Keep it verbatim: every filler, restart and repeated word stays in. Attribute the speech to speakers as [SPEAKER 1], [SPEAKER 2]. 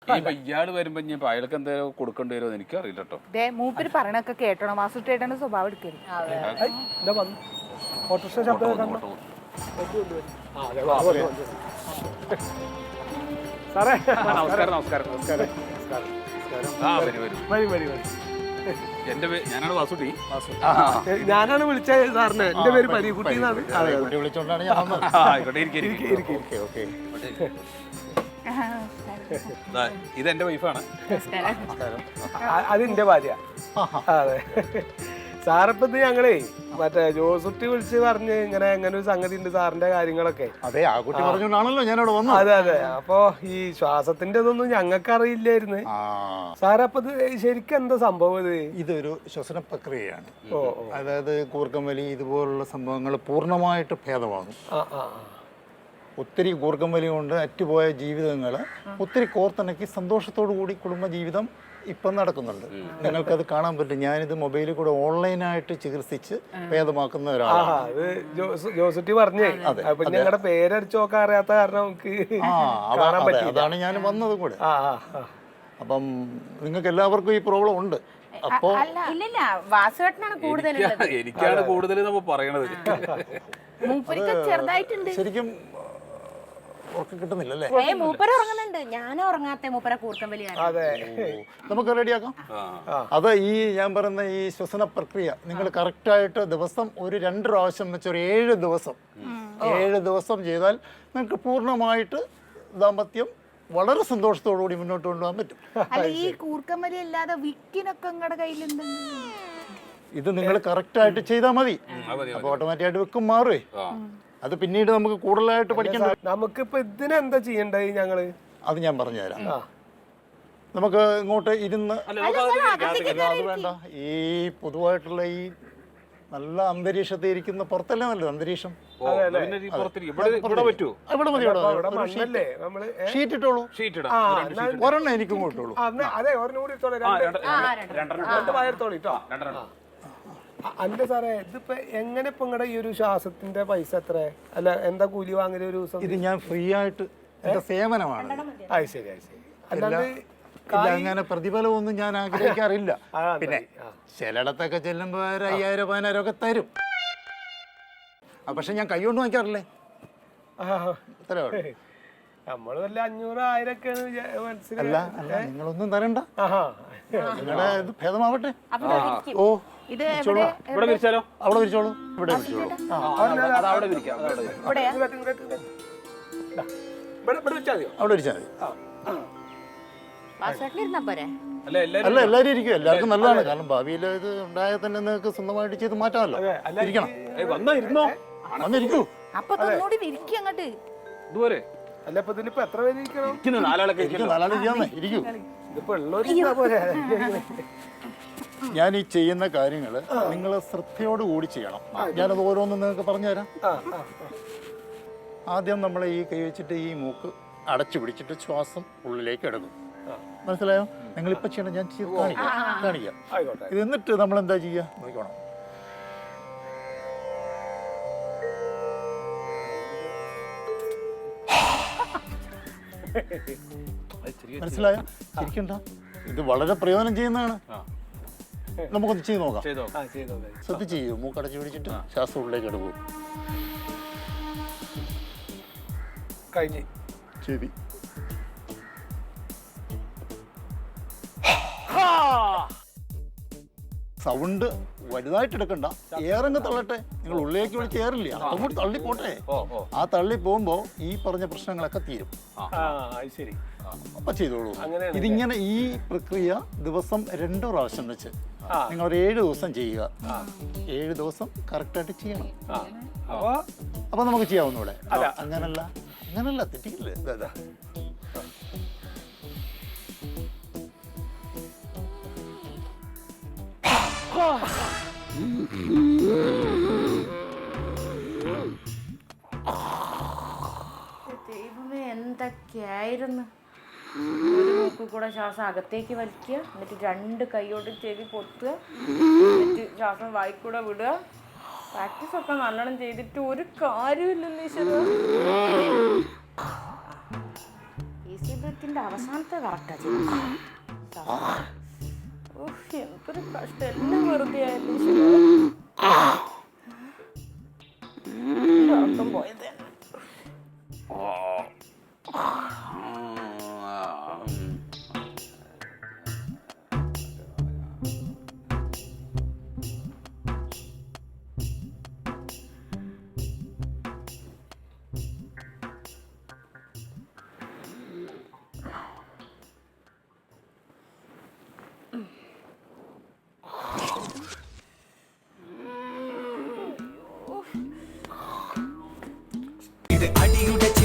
[SPEAKER 1] ഇപ്പൊ ഇയാള് വരുമ്പോ ഇനി അയാൾക്ക് എന്തായാലും കൊടുക്കേണ്ടി വരുമോ എനിക്ക് അറിയില്ല കേട്ടോ.
[SPEAKER 2] മൂപ്പര് പറയണൊക്കെ കേട്ടോണം. വാസുട്ടേട്ടന്റെ സ്വഭാവം എടുക്കരുത്.
[SPEAKER 3] ഓട്ടോറിക്ഷ ശബ്ദം സാറേ.
[SPEAKER 1] നമസ്കാരം നമസ്കാരം നമസ്കാരം. ആ വരും വരും
[SPEAKER 3] വരി വരി വരി.
[SPEAKER 1] എന്റെ പേര് ഞാനാണ് വാസുട്ടി.
[SPEAKER 3] ഞാനാണ് വിളിച്ചത് സാറിന്. എന്റെ പേര് പരീക്കുട്ടി എന്നാണ്.
[SPEAKER 4] വിളിച്ചോണ്ടാണ് ഞാൻ വന്നത്.
[SPEAKER 1] ആയിക്കോട്ടെ ഇരിക്കും. ഇത് എന്റെ വൈഫാണ്.
[SPEAKER 3] അത് എന്റെ ഭാര്യ. അതെ സാറിപ്പത് ഞങ്ങളേ മറ്റേ ജോസുട്ടി വിളിച്ച് പറഞ്ഞ് ഇങ്ങനെ എങ്ങനെ ഒരു സംഗതി ഉണ്ട് സാറിന്റെ കാര്യങ്ങളൊക്കെ.
[SPEAKER 4] അതെ ആ കുട്ടി പറഞ്ഞോണ്ടാണല്ലോ ഞാനവിടെ വന്നത്.
[SPEAKER 3] അതെ അതെ. അപ്പൊ ഈ ശ്വാസത്തിന്റെ ഇതൊന്നും ഞങ്ങൾക്ക് അറിയില്ലായിരുന്നു സാറപ്പത് ശരിക്കും എന്താ സംഭവം? ഇത്
[SPEAKER 4] ഇതൊരു ശ്വസന പ്രക്രിയയാണ്. അതായത് കൂർക്കം വലി ഇതുപോലുള്ള സംഭവങ്ങൾ പൂർണ്ണമായിട്ട് ഭേദമാകും. ഒത്തിരി കൂർക്കം വലി കൊണ്ട് അറ്റുപോയ ജീവിതങ്ങൾ ഒത്തിരി കോർത്തിണക്കി സന്തോഷത്തോടു കൂടി കുടുംബജീവിതം ഇപ്പം നടക്കുന്നുണ്ട്. നിങ്ങൾക്കത് കാണാൻ പറ്റും. ഞാനിത് മൊബൈലിൽ കൂടെ ഓൺലൈനായിട്ട് ചികിത്സിച്ച് ഭേദമാക്കുന്ന ഒരാളാണ്.
[SPEAKER 3] ജോസുട്ടി പറഞ്ഞേ ഞങ്ങളുടെ പേരടിച്ചു നോക്കാൻ അറിയാത്ത കാരണം നമുക്ക് കാണാൻ പറ്റില്ല.
[SPEAKER 4] അതാണ് ഞാൻ വന്നത് കൂടെ. അപ്പം നിങ്ങൾക്ക് എല്ലാവർക്കും ഈ പ്രോബ്ലം ഉണ്ട്. അപ്പോ
[SPEAKER 2] ഇല്ലില്ല വാസുവേട്ടനാണ് കൂടുതൽ.
[SPEAKER 1] എനിക്കാണ് കൂടുതൽ നമ്മൾ പറയണത്.
[SPEAKER 2] ചെറുതായിട്ടുണ്ട്.
[SPEAKER 4] ശരിക്കും ഉറക്കം കിട്ടുന്നില്ലല്ലേ?
[SPEAKER 2] മൂപ്പര ഉറങ്ങുന്നുണ്ട്. ഞാൻ ഉറങ്ങാത്ത മൂപ്പര കൂർക്കം വലിയാണ്.
[SPEAKER 4] നമുക്ക് റെഡിയാക്കാം. അത് ഈ ഞാൻ പറയുന്ന ഈ ശ്വസന പ്രക്രിയ നിങ്ങൾ കറക്റ്റായിട്ട് ദിവസം ഒരു രണ്ട് പ്രാവശ്യം വെച്ച് ഒരു ഏഴ് ദിവസം ഏഴ് ദിവസം ചെയ്താൽ നിങ്ങൾക്ക് പൂർണ്ണമായിട്ട് ദാമ്പത്യം വളരെ സന്തോഷത്തോടു കൂടി മുന്നോട്ട് കൊണ്ടുപോകാൻ പറ്റും.
[SPEAKER 2] അല്ല ഈ കൂർക്കം വലി അല്ലാതെ വിക്കിനൊക്കെ നിങ്ങളുടെ കയ്യിലുണ്ട്.
[SPEAKER 4] ഇത് നിങ്ങൾ കറക്റ്റായിട്ട് ചെയ്താൽ മതി. അപ്പൊ ഓട്ടോമാറ്റിക്കായിട്ട് വിക്കും മാറുവേ. അത് പിന്നീട് നമുക്ക് കൂടുതലായിട്ട് പഠിക്കണ്ട.
[SPEAKER 3] നമുക്കിപ്പോ ഇതിനെന്താ ചെയ്യണ്ടേ ഞങ്ങള്?
[SPEAKER 4] അത് ഞാൻ പറഞ്ഞുതരാം. നമുക്ക് ഇങ്ങോട്ട് ഇരുന്ന് അത് വേണ്ട. ഈ പൊതുവായിട്ടുള്ള ഈ നല്ല അന്തരീക്ഷത്തിൽ ഇരിക്കുന്ന പുറത്തല്ലേ നല്ലത് അന്തരീക്ഷം. ഷീറ്റ് ഇട്ടോളൂ. ഒരെണ്ണം എനിക്കും ഇട്ടോളൂ.
[SPEAKER 3] അല്ല സാറേ ഇതിപ്പോ എങ്ങനെ ഇപ്പൊ നിങ്ങളുടെ ഈ ഒരു ശ്വാസത്തിന്റെ പൈസ എത്ര? അല്ല എന്താ കൂലി വാങ്ങല് ഒരു ദിവസം?
[SPEAKER 4] ഇത് ഞാൻ ഫ്രീ ആയിട്ട് എന്റെ സേവനമാണ്.
[SPEAKER 3] അത് ശരി അത് ശരി. അല്ലാതെ
[SPEAKER 4] അങ്ങനെ പ്രതിഫലമൊന്നും ഞാൻ ആഗ്രഹിക്കാറില്ല. പിന്നെ ചിലയിടത്തൊക്കെ ചെല്ലുമ്പോ ഒരു അയ്യായിരം പതിനായിരം ഒക്കെ തരും. പക്ഷെ ഞാൻ കൈ കൊണ്ട് വാങ്ങിക്കാറില്ലേ.
[SPEAKER 3] നമ്മള് വല്ല അഞ്ഞൂറ് ആയിരം ഒക്കെ
[SPEAKER 4] അല്ല അല്ല നിങ്ങളൊന്നും തരണ്ട. നിങ്ങളുടെ ഇത് ഭേദമാവട്ടെ. ഓ
[SPEAKER 1] ഇവിടെ വിരിച്ചാലോ?
[SPEAKER 4] അവിടെ വിരിച്ചോളൂ. ഇവിടെ വിരിച്ചോളൂ.
[SPEAKER 1] അവിടെ വിരിക്കാം.
[SPEAKER 4] അവിടെ വിരിച്ചാൽ മതി. അല്ല എല്ലാരും ഇരിക്കും. എല്ലാവർക്കും നല്ലതാണ്. കാരണം ഭാവിയിൽ ഇത് ഉണ്ടായാൽ തന്നെ നിങ്ങൾക്ക് സ്വന്തമായിട്ട് ചെയ്ത് മാറ്റാമല്ലോ. ഇരിക്കണം. വന്നിരിക്കൂ.
[SPEAKER 3] അല്ല ഇപ്പൊ ഇതിനിപ്പോ എത്ര പേര് ഇരിക്കണം?
[SPEAKER 4] നാലാളൊക്കെ നാലാളെ ചെയ്യാന്നേ. ഇരിക്കൂ.
[SPEAKER 3] ഇതിപ്പോ ഉള്ളവര് പോലെ
[SPEAKER 4] ഞാൻ ഈ ചെയ്യുന്ന കാര്യങ്ങൾ നിങ്ങൾ ശ്രദ്ധയോട് കൂടി ചെയ്യണം. ഞാനത് ഓരോന്നും നിങ്ങൾക്ക് പറഞ്ഞുതരാം. ആദ്യം നമ്മൾ ഈ കൈ വെച്ചിട്ട് ഈ മൂക്ക് അടച്ചു പിടിച്ചിട്ട് ശ്വാസം ഉള്ളിലേക്ക് എടുക്കും. മനസ്സിലായോ? നിങ്ങളിപ്പോ ചെയ്യണം. ഞാൻ കാണിക്കാം കാണിക്കാം ഇത്. എന്നിട്ട് നമ്മൾ എന്താ ചെയ്യുക നോക്കണം. മനസ്സിലായോ? ചിരിക്കണ്ട. ഇത് വളരെ പ്രയോജനം ചെയ്യുന്നതാണ്. നമുക്കൊന്ന് ചെയ്ത് നോക്കാം. ശ്രദ്ധിച്ച് ചെയ്യൂ. മൂക്കടച്ചു പിടിച്ചിട്ട് ശ്വാസം ഉള്ളിലേക്ക് എടുക്കും.
[SPEAKER 3] കഴിഞ്ഞ്
[SPEAKER 4] ചെവി സൗണ്ട് വലുതായിട്ട് എടുക്കണ്ട. ഏറങ്ങ് തള്ളട്ടെ. നിങ്ങൾ ഉള്ളിലേക്ക് വിളിച്ച് ഏറില്ല. അതുകൊണ്ട് തള്ളി പോട്ടെ. ആ തള്ളി പോകുമ്പോ ഈ പറഞ്ഞ പ്രശ്നങ്ങളൊക്കെ തീരും. അപ്പൊ ചെയ്തോളൂ. ഇതിങ്ങനെ ഈ പ്രക്രിയ ദിവസം രണ്ടു പ്രാവശ്യം വെച്ച് നിങ്ങൾ ഒരു ഏഴ് ദിവസം ചെയ്യുക. ഏഴ് ദിവസം കറക്റ്റായിട്ട് ചെയ്യണം. അപ്പൊ നമുക്ക് ചെയ്യാവുന്നൂടെ? അങ്ങനല്ല അങ്ങനല്ല തെറ്റിക്കില്ലേ?
[SPEAKER 2] ദൈവമേ എന്തൊക്കെയായിരുന്നു. ഒരു മൂക്കിൽ കൂടെ ശ്വാസം അകത്തേക്ക് വലിക്കുക, എന്നിട്ട് രണ്ട് കൈയോട്ട് ചെവി പൊത്തുക, എന്നിട്ട് ശ്വാസം വായിക്കൂടെ വിടുക. പ്രാക്ടീസ് ഒക്കെ നല്ലോണം ചെയ്തിട്ട് ഒരു കാര്യമില്ലല്ലോ ഈശ്വര. ഈ ജീവിതത്തിൽ കറക്റ്റിന്റെ അവസാനത്തെ കറക്റ്റാ ചെയ്തത്. ഓഹ്, എന്തൊരു കഷ്ടം, എല്ലാം വെറുതെ ആയിരുന്നു. ഉറക്കം പോയത്
[SPEAKER 5] ഇത് അടിയുടെ